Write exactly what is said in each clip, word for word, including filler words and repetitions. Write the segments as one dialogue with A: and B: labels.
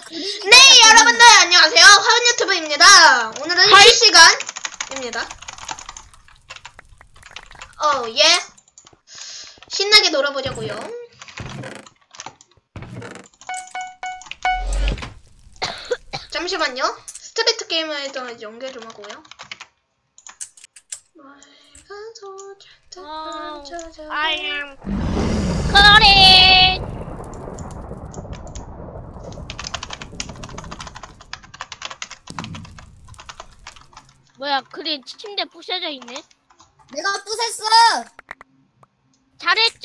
A: 네, 여러분들 안녕하세요. 화연 유튜브입니다. 오늘은 실시간입니다. 어, 예. 신나게 놀아보자고요. 잠시만요. 스트리트 게이머에다 연결 좀 하고요.
B: Oh, I am Corin. 뭐야, 그린 침대 부셔져 있네.
C: 내가 부쉈어.
B: 잘했죠?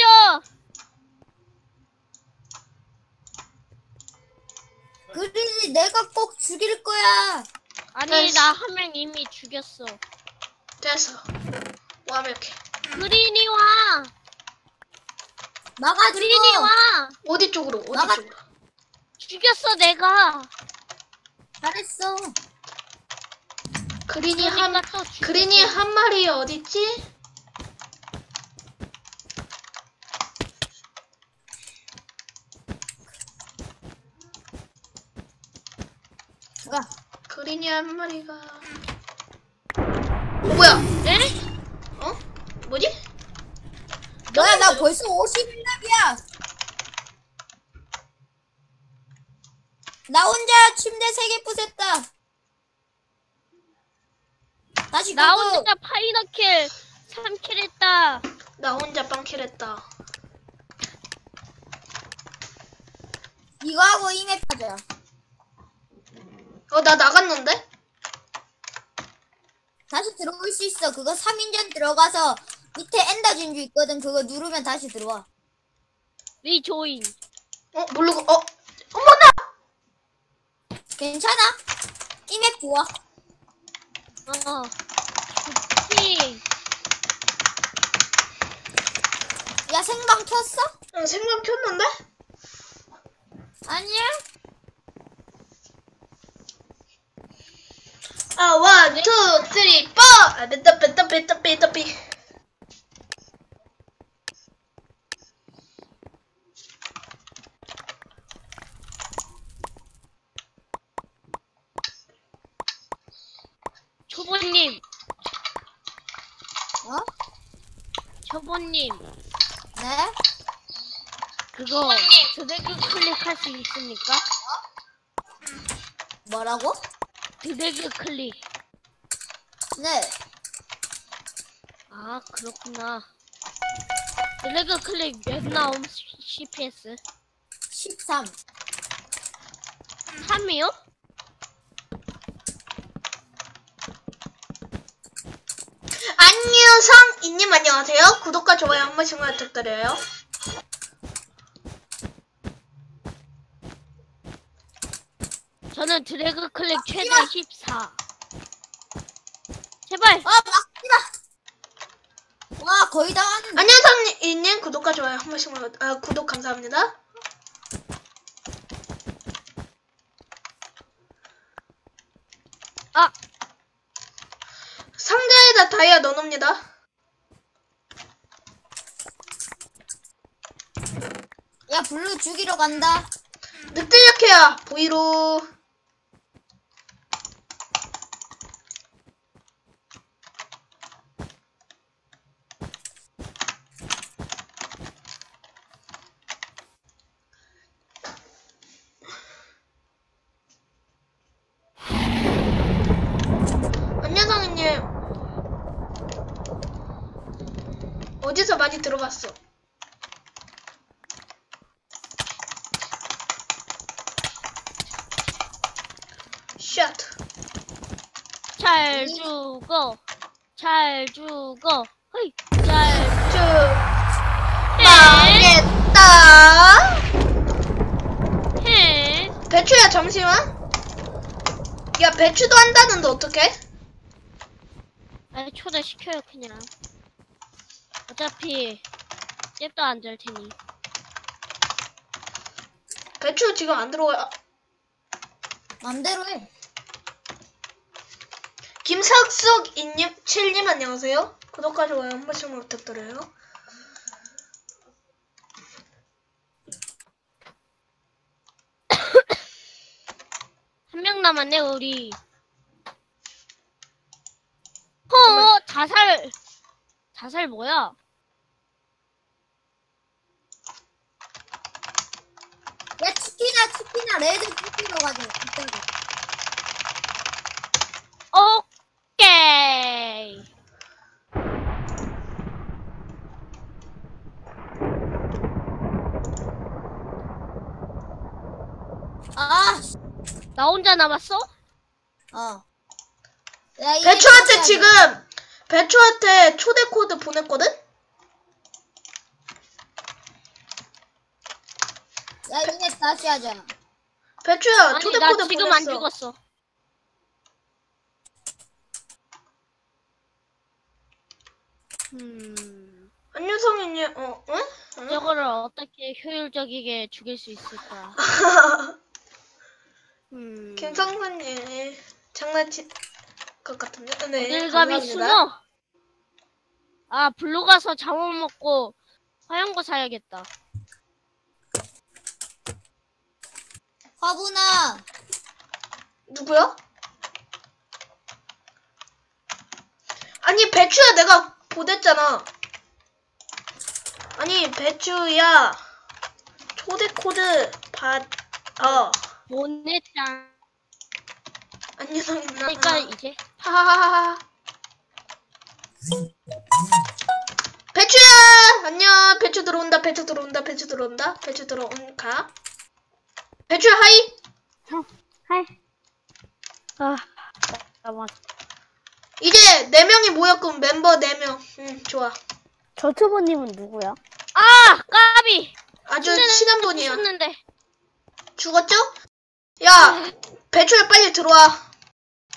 C: 그린이 내가 꼭 죽일 거야.
B: 아니,
A: 됐어.
B: 나 한 명 이미 죽였어.
A: 됐어. 완벽해.
B: 그린이 와.
C: 나가줘.
B: 그린이 와.
A: 어디 쪽으로? 어디
C: 나가-
A: 쪽으로?
B: 죽였어, 내가.
C: 잘했어.
A: 그린이 한
B: 그러니까 또 죽였어.
A: 그린이 한 마리 어딨지?
C: 가.
A: 그린이 한 마리가. 어, 뭐야?
B: 네?
A: 어? 뭐지?
C: 너야 나 벌써 오십 렙이야. 나 혼자 침대 세 개 부쉈다. 다시
B: 나
C: 그거.
B: 혼자 파이너킬 삼 킬 했다.
A: 나 혼자 빵킬했다.
C: 이거 하고 이맵 하자.
A: 어, 나 나갔는데?
C: 다시 들어올 수 있어. 그거 삼 인전 들어가서 밑에 엔더 진주 있거든. 그거 누르면 다시 들어와.
B: 리조인.
A: 어, 모르고, 어, 어머나!
C: 괜찮아? 이맵 좋아.
B: 어. 좋지.
C: 야 생방 켰어?
A: 응, 생방 켰는데?
C: 아니야?
A: 아, 원, 투, 쓰리, 포! 아, 뺐다, 뺐다, 뺐다, 뺐다, 뺐.
B: 초보님.
C: 어?
B: 초보님.
C: 네?
B: 그거 드래그 클릭할 수 있습니까?
C: 뭐라고?
B: 드래그 클릭.
C: 네.
B: 아, 그렇구나. 드래그 클릭 몇 나옴? 씨피에스?
C: 십삼.
B: 삼이요?
A: 안녕상 이님 안녕하세요. 구독과 좋아요 한 번씩만 부탁드려요.
B: 저는 드래그 클릭 최대 십사. 제발!
C: 아 막지마. 와 거의 다 하는데.
A: 안녕상 이님 구독과 좋아요 한 번씩만 아, 구독 감사합니다.
B: 아!
A: 상자에다 다이아 넣어놓습니다.
C: 야 블루 죽이러 간다.
A: 늑대 약해야 보이로. 안녕상님 어디서 많이 들어봤어? 샷.
B: 잘 죽어. 잘 죽어. 허이. 잘
A: 쭉
B: 네.
A: 망했다.
B: 해.
A: 배추야 잠시만. 야 배추도 한다는데 어떡해?
B: 아니, 초대시켜요, 그냥. 어차피, 잽도 안 될 테니.
A: 배추 지금 안 들어와.
C: 맘대로 해.
A: 김석숙 이님 칠님 안녕하세요. 구독과 좋아요 한 번씩만 부탁드려요.
B: 남았네 우리. 어 자살 자살 뭐야?
C: 야 치킨아 치킨아 레드 치킨으로 가자. 이따가.
B: 오케이.
C: 아, 씨.
B: 나 혼자 남았어?
C: 어. 야, 이제
A: 배추한테
C: 다시
A: 지금
C: 하자.
A: 배추한테 초대 코드 보냈거든?
C: 야 이제 다시 하자.
A: 배추야
B: 아니
A: 초대
B: 나
A: 코드
B: 지금
A: 보냈어.
B: 안 죽었어. 음,
A: 안유성이니 어 응? 응?
B: 저거를 어떻게 효율적이게 죽일 수 있을까? 음,
A: 김성선님 장난칠 것 같은데? 네
B: 어딜 감히
A: 감사합니다.
B: 숨어? 아, 블루 가서 잠옷 먹고 하얀 거 사야겠다.
C: 화분아.
A: 누구야? 아니 배추야 내가 보냈잖아. 아니 배추야 초대 코드 받어.
B: 보냈잖아.
A: 안유성이 나.
B: 그러니까 이제
A: 하하하하. 배추야 안녕. 배추 들어온다. 배추 들어온다. 배추 들어온다. 배추 들어온가. 배추야 하이.
B: 하이. 아, 잠깐만.
A: 이제 네 명이 모였군. 멤버 네 명. 응 좋아.
D: 저튜버님은 누구야?
B: 아, 까비.
A: 아주 친한 분이야.
B: 죽었는데.
A: 죽었죠? 야 배추야 빨리 들어와.